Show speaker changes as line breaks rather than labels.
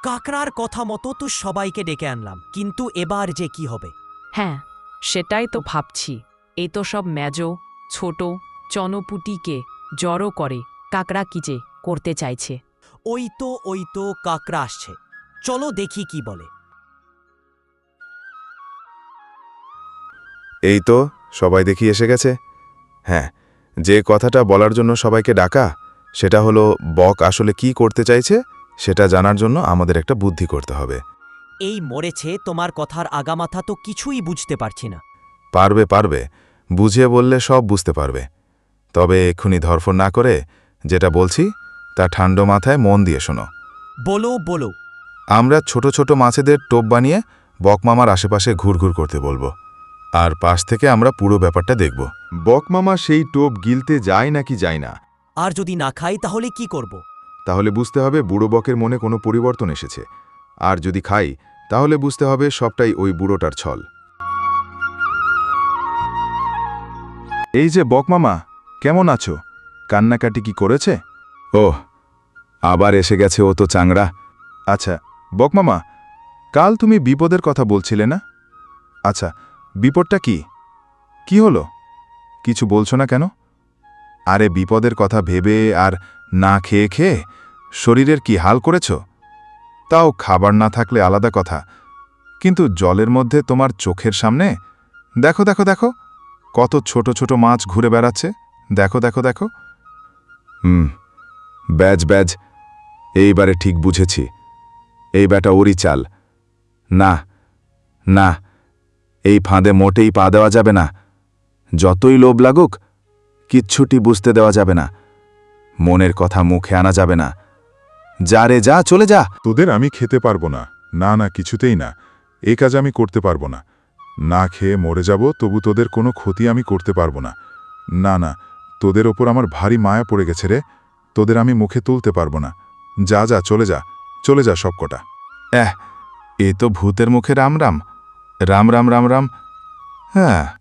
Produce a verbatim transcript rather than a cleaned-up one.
কাকড়ার কথা মতো তো সবাইকে ডেকে আনলাম, কিন্তু এবার যে কি হবে?
হ্যাঁ, সেটাই তো ভাবছি। এই তো সব মেজো ছোট চনপুটিকে জড়ো করে কাকড়া কি যে করতে চাইছে।
ওই তো ওই তো কাকড়া আসছে, চলো দেখি কি বলে।
এই তো সবাই দেখি এসে গেছে। হ্যাঁ, যে কথাটা বলার জন্য সবাইকে ডাকা সেটা হলো বক আসলে কি করতে চাইছে সেটা জানার জন্য আমাদের একটা বুদ্ধি করতে হবে।
এই মরেছে, তোমার কথার আগামাথা তো কিছুই বুঝতে পারছি না।
পারবে পারবে, বুঝিয়ে বললে সব বুঝতে পারবে। তবে এক্ষুনি ধরফর না করে যেটা বলছি তা ঠান্ডা মাথায় মন দিয়ে শোনো।
বলো বলো।
আমরা ছোট ছোট মাছেদের টোপ বানিয়ে বকমামার আশেপাশে ঘুরঘুর করতে বলবো, আর পাশ থেকে আমরা পুরো ব্যাপারটা দেখব।
বকমামা সেই টোপ গিলতে যায় নাকি যায় না,
আর যদি না খাই তাহলে কি করব?
তাহলে বুঝতে হবে বুড়ো বকের মনে কোনো পরিবর্তন এসেছে। আর যদি খাই তাহলে বুঝতে হবে সবটাই ওই বুড়োটার ছল। এই যে বকমামা, কেমন আছো? কান্নাকাটি কি করেছে?
ওহ, আবার এসে গেছে ও তো চাংড়া।
আচ্ছা বকমামা, কাল তুমি বিপদের কথা বলছিলে না? আচ্ছা, বিপদটা কি? কি হলো? কিছু বলছো না কেন? আরে বিপদের কথা ভেবে আর না খেয়ে খেয়ে শরীরের কি হাল করেছ? তাও খাবার না থাকলে আলাদা কথা, কিন্তু জলের মধ্যে তোমার চোখের সামনে দেখো দেখো দেখো কত ছোট ছোট মাছ ঘুরে বেড়াচ্ছে। দেখো দেখো দেখো।
হুম, ব্যাজ ব্যাজ, এইবারে ঠিক বুঝেছি। এই ব্যাটা ওরই চাল। না না, এই ফাঁদে মোটেই পা দেওয়া যাবে না। যতই লোভ লাগুক কিচ্ছুটি বুঝতে দেওয়া যাবে না। মনের কথা মুখে আনা যাবে না। যা রে যা, চলে যা।
তোদের আমি খেতে পারবো না, না না, কিছুতেই না। এ কাজ আমি করতে পারবো না। না খেয়ে মরে যাব, তবু তোদের কোনো ক্ষতি আমি করতে পারবো না। না না, তোদের ওপর আমার ভারী মায়া পড়ে গেছে রে। তোদের আমি মুখে তুলতে পারবো না। যা যা, চলে যা, চলে যা সবকটা।
এহ, এ তো ভূতের মুখে রাম রাম রাম রাম রাম রাম। হ্যাঁ।